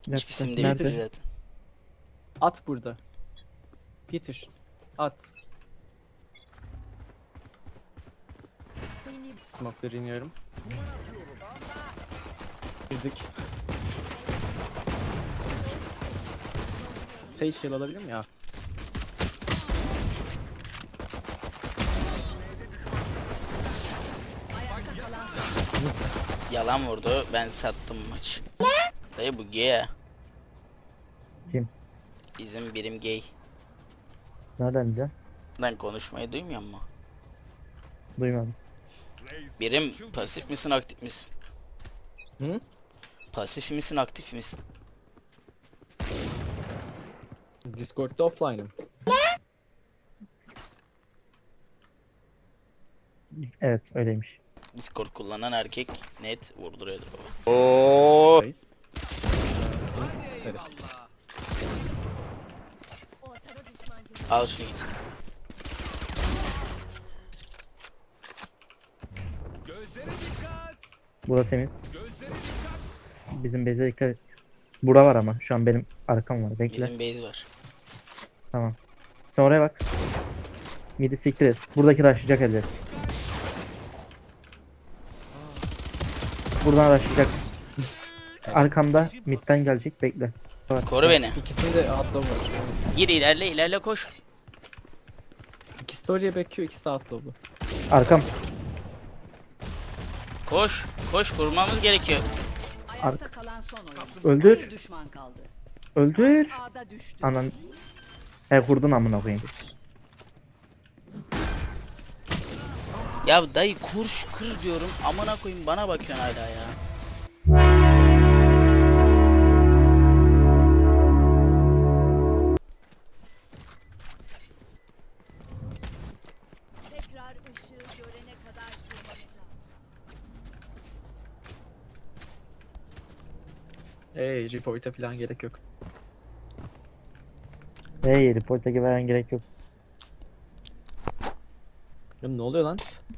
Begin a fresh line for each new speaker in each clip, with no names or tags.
Hiçbir isim değil
Nerede?
zaten.
At burada. Peter. At. Smoke'ları iniyorum. Girdik. Sage heal alabilir miyim ya?
Yalan vurdu. Ben sattım maçı. Dayı bu gay ya.
Kim?
Bizim birim gay.
Nereden biliyorsun?
Lan konuşmayı duymuyor mu?
Duymadım.
Birim pasif misin aktif misin?
Hı?
Pasif misin aktif misin?
Discord'da offline'ım.
Evet öyleymiş.
Discord kullanan erkek net vurduruyordur baba.
Phoenix. Hadi.
Al şunu git.
Bura temiz. Bizim base'e dikkat et. Bura var ama şu an benim arkam var. Bekle.
Bizim base var.
Tamam. Sen oraya bak. Midi siktir et. Buradaki rushlayacak elde. Buradan rushlayacak. Arkamda midden gelecek. Bekle.
Koru beni.
İkisinde outlaw var.
Gir ilerle koş.
İkisi de oraya bekliyor, ikisi de outlaw'lu.
Arkam.
Koş kurmamız gerekiyor.
Ayakta kalan son oyuncu.
Öldür.
Bir düşman kaldı.
Öldür.
A'da düştü.
Anan. He vurdun amına koyayım.
Ya dayı kır diyorum. Amına koyayım bana bakıyorsun hala ya.
Tekrar ışığı görene kadar tırmanacağız.
Report'a falan gerek yok.
Hey report'a veren gerek yok.
Ya ne oluyor lan?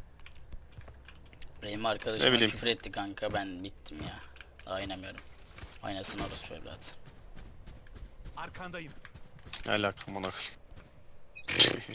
Benim
Ne
arkadaşıma
bileyim.
küfür etti kanka, ben bittim ya. Daha oynamıyorum. Oynasın orospu evlat.
Arkandayım.
Ne alaka amına koyayım.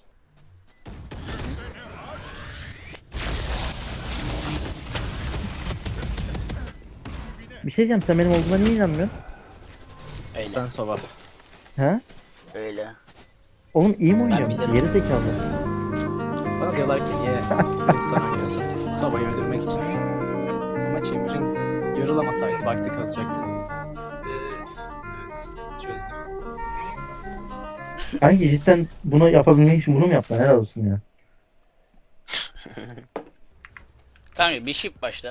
Bir şey diyeceğim, sen benim olduğuma niye inanmıyorsun?
Öyle.
Sen sova.
He?
Öyle.
Oğlum iyi mi oynuyorum?
bilirim.
Geri zekalı.
Bana diyorlar ki niye sen oynuyorsun? Sova'yı öldürmek için. Ama Chamber'ın yarılamasaydı vakti kalacaktı. Evet, çözdüm.
Kanki cidden bunu yapabilmek için bunu mu yaptın? Helal olsun ya.
Kanka bir shift başla.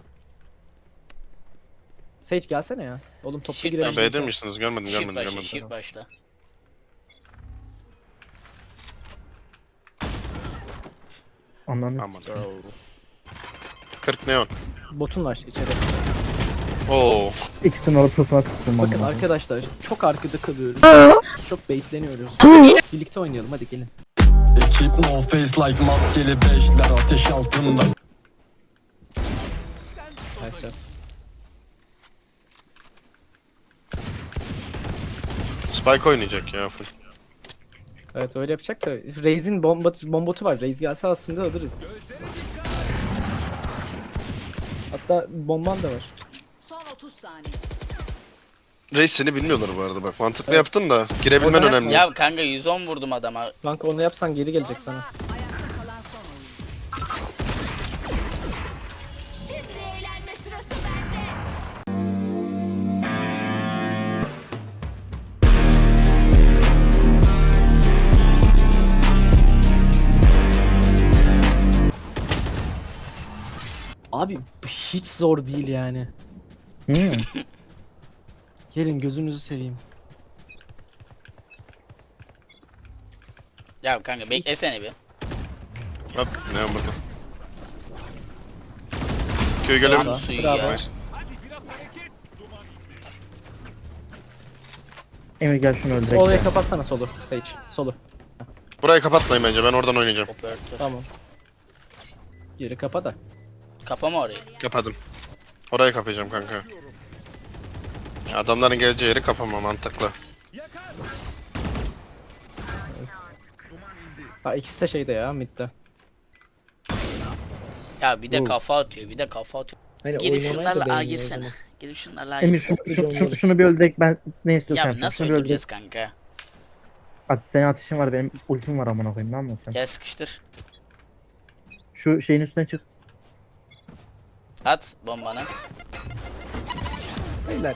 Sage gelsene ya. Oğlum toplu
Shit,
girelim.
Ya B'de misiniz? Görmedim
Shift
görmedim
başla,
görmedim.
shift başla.
Anladın.
Aman. 40 neon.
Botun var içeride.
Oo.
İkisinin ortasına sıktım.
Bakın
amına.
arkadaşlar çok arkada kalıyoruz. Çok baitleniyoruz. Birlikte oynayalım hadi gelin.
Ekip no face like maskeli beşler ateş altında.
Nice shot.
Spike oynayacak ya full.
Evet öyle yapacak da Raze'in bombotu var. Raze gelse aslında alırız. Hatta bomban da var.
Son 30 saniye.
Reis seni bilmiyorlar bu arada bak. Mantıklı
Evet.
yaptın da girebilmen
Orada
önemli.
Ya kanka 110 vurdum adama.
Kanka onu yapsan geri gelecek sana.
Ayakta kalan son oyuncu. Şimdi eğlenme sırası bende.
Abi hiç zor değil yani.
Hmm.
Gelin gözünüzü seveyim.
Ya kanka beklesene bir.
Hop neon bakın. Köy gelebilir.
Lan suyu
Bravo.
ya.
Nice.
Emir gel şunu öldürek.
Solaya
ya.
kapatsana solu. Sage. Solu.
Burayı kapatmayın bence, ben oradan oynayacağım.
Operatör.
Tamam. Geri kapa da.
Kapama orayı.
Kapadım. Orayı kapayacağım kanka. Adamların geleceği yeri kapama mantıklı.
Yakar.
Ha ikisi de şeyde ya midde.
Ya bir de
Oo.
kafa atıyor, bir de kafa atıyor.
Hani
Gidip
oynamayı da
şunlarla A
beğeniyor o
girsene.
zaman.
Gidip şunlarla A
Emir
girsene.
şunu bir öldürek ben ne istiyorsan
Ya
yapacağım.
nasıl
Şunu bir öldürek.
öldüreceğiz kanka?
Hadi senin ateşin var benim ultim var amına koyayım ne anlatacağım.
Gel sıkıştır.
Şu şeyin üstüne çık.
At bombanı.
Beyler.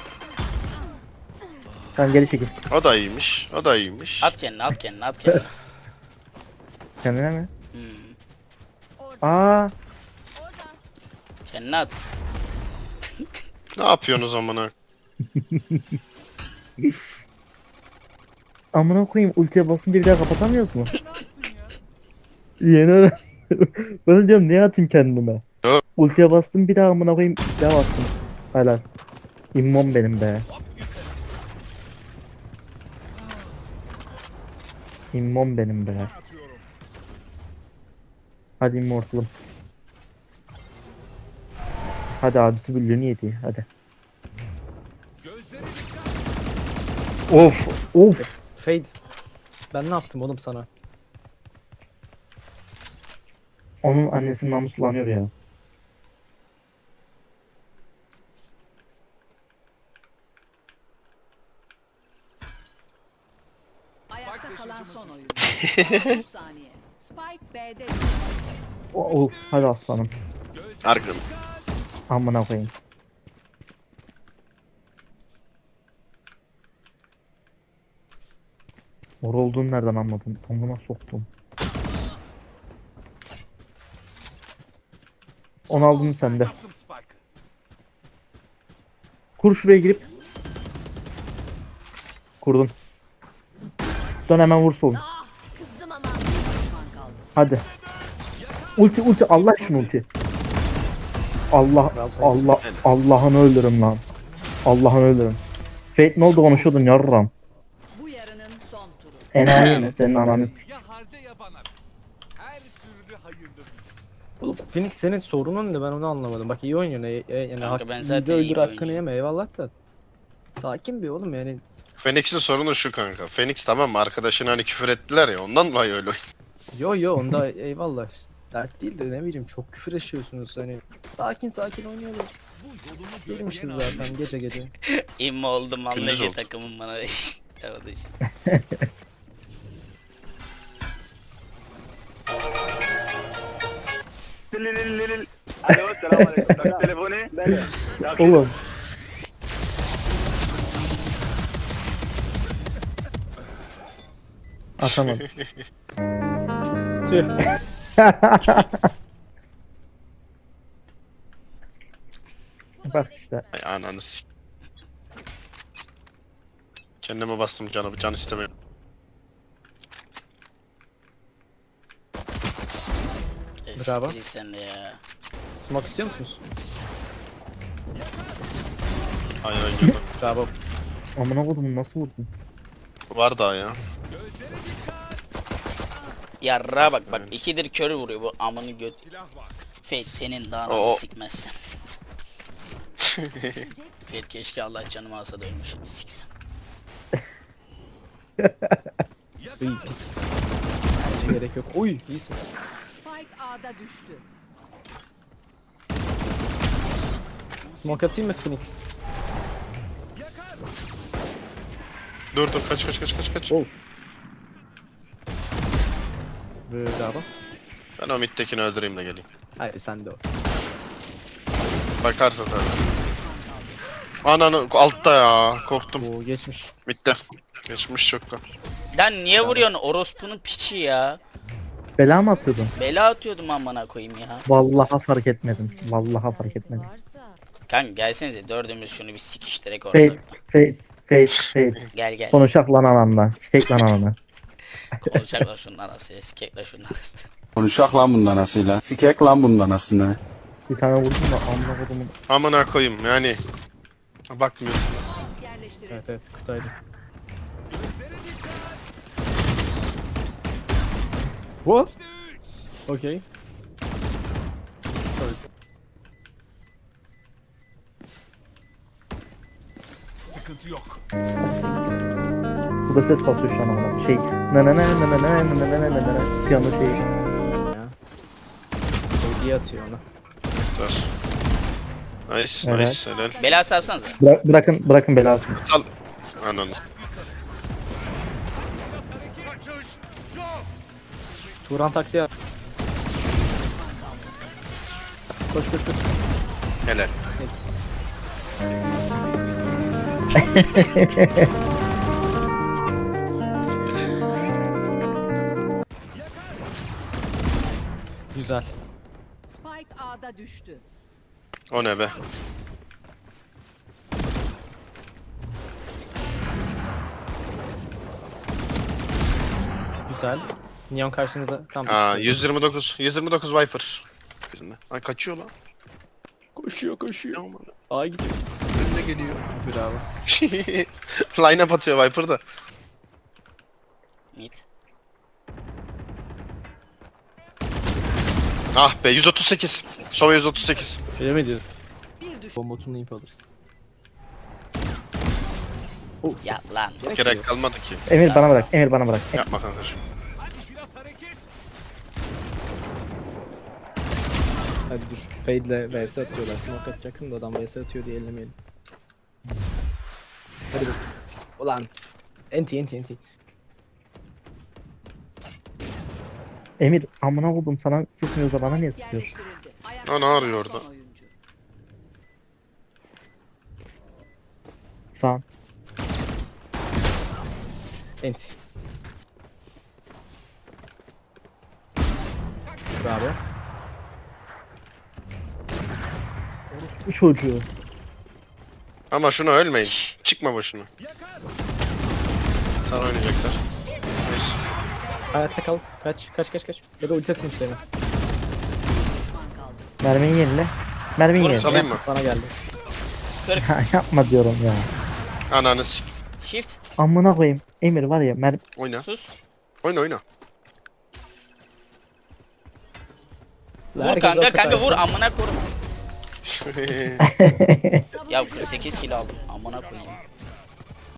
Tamam geri çekil.
O da iyiymiş. O da iyiymiş.
At kendini, at kendini, at kendini.
Kendine mi?
Hmm.
Aa,
Kendini at.
Ne yapıyorsunuz amına?
amına koyayım ultiye basınca bir daha kapatamıyoruz mu? Yeni öğrendim. Ben de diyorum niye atayım kendime?
Yok.
Ultiye bastım bir daha amına koyayım silah bastım. Helal. İmmom benim be. İmmom benim be. Hadi immortalım. Hadi abisi büllüğünü yedi hadi. Of of.
Fade. Ben ne yaptım oğlum sana?
Onun annesi namuslanıyor ya.
Ayakta kalan son oyun. Son 30 saniye. Spike B'de düştü.
Of hadi aslanım.
Argın.
Amına koyayım. Mor olduğunu nereden anladın? Amına soktum. Onu aldın mı sen de?
Attım Spike'ı.
Kur şuraya girip. Kurdum. Dön hemen vur solun.
Kızdım ama. Düşman kaldı.
Hadi. Ulti Allah şunu ulti. Allah'ını öldürün lan. Allah'ını öldürün. Fate ne oldu konuşuyordun yarram.
Bu yarının son turu.
Enayi mi senin ananı s-
Ya harca ya bana. Her türlü hayırlı.
Oğlum Phoenix senin sorunun ne ben onu anlamadım. Bak iyi oynuyorsun. Yani
Kanka ben
iyi
zaten
de
iyi
öldür
bir
hakkını
oyuncuyum.
yeme eyvallah da. Sakin bir oğlum yani.
Phoenix'in sorunu şu kanka. Phoenix tamam mı? Arkadaşına hani küfür ettiler ya ondan dolayı öyle oynuyor.
Yo onda eyvallah. Dert değil de ne bileyim çok küfür yaşıyorsunuz hani. Sakin oynuyorlar. Gelmişiz zaten gece.
İmmo oldum
Gündüz
anlayıcı
oldu.
takımım bana. Kardeş.
Alo, selamünaleyküm. Tak telefonu.
Oğlum. Atamadım.
Tüh.
Bak işte.
Ay ananı s- Kendime bastım canı. Can istemiyorum.
Bravo.
Eskili sen de ya.
Smoke istiyor musunuz?
Aynen girdim.
Bravo.
Amına koydum nasıl vurdun?
Var daha ya.
Yarra bak
Evet.
ikidir körü vuruyor bu amını göt.
Silah var.
Fate senin daha
Oo.
ananı sikmezsen. Fate keşke Allah canımı alsa da ölmüşüm siksen.
Uy pis. Bence gerek yok. Uy iyisin.
Spike A'da düştü.
Smoke atayım mı Phoenix?
Dur kaç.
Oh. Bravo.
Ben o midtekini öldüreyim de geleyim.
Hayır sen de o.
Bakarsa tabii. Ananı altta ya. Korktum.
Oo geçmiş.
Midde. Geçmiş çoktan.
Lan niye vuruyorsun orospunun piçi ya?
Bela mı atıyordun?
Bela atıyordum amına koyayım ya.
Vallahi fark etmedim. Vallahi fark etmedim.
Kanka gelsenize dördümüz şunu bir sikiştirek orada.
Fate.
Gel.
Konuşak lan ananla. Sikek lan ananı.
Konuşacaklar şunun arası, sikekler şunun arası.
Konuşak lan bundan asıyla. Sikek lan bundan aslında.
Bir tane vurdum da amına kodumun.
Amına koyayım yani. Bakmıyorsun.
Yerleştirildi.
Evet kutaydı. What? Okay. Start.
sıkıntı yok.
Bu da ses basıyor şu an ama. Şey. Na na na na na na na na na na na. Piyano şeyi.
Hediye atıyor ona.
Dur. Nice,
Evet.
nice, helal.
Bela salsanıza.
Bırakın belasını.
Sal. Ananı.
Kaçış yok.
Turan taktiği at. Koş koş koş.
Helal.
Güzel.
Spike A'da düştü.
O ne be?
Güzel. Neon karşınıza tam
Aa,
ikisi.
129. 129 Viper. Birinde. Ay kaçıyor lan.
Koşuyor koşuyor.
Aman.
Aa gidiyor.
Önüne geliyor.
Bravo.
Line up atıyor Viper da.
Mid.
Ah be 138. Sova 138.
Öyle mi diyorsun?
Bir düş.
Bombotunu info alırsın.
Ya lan.
Gerek kalmadı ki.
Emir bana bırak. Emir bana bırak.
Yapma kankacığım.
Hadi biraz hareket.
Hadi dur. Fade'le vs atıyorlar. Smoke atacaktım da adam vs atıyor diye ellemeyelim. Hadi bak. Ulan. Enti.
Emir amına koydum sana sıkmıyorsa bana niye sıkıyorsun?
Yerleştirildi.
O ne arıyor
Son
orada?
oyuncu.
Sağ.
Enti. Bravo.
Bu çocuğu.
Ama şunu ölmeyin. Çıkma boşuna. Sana oynayacaklar. Nice.
Hayatta kal. Kaç. Ya da ulti atayım işte.
Düşman kaldı.
Mermiyi yenile. Mermiyi
Vur,
yenile.
Salayım mı?
Bana geldi.
Yapma diyorum ya.
Ananı s**.
Shift.
Amına koyayım. Emir var ya
Oyna.
Sus.
Oyna.
Vur
Herkes
kanka
o kadar.
kanka vur amına korum. Ya 48 kilo aldım amına koyayım.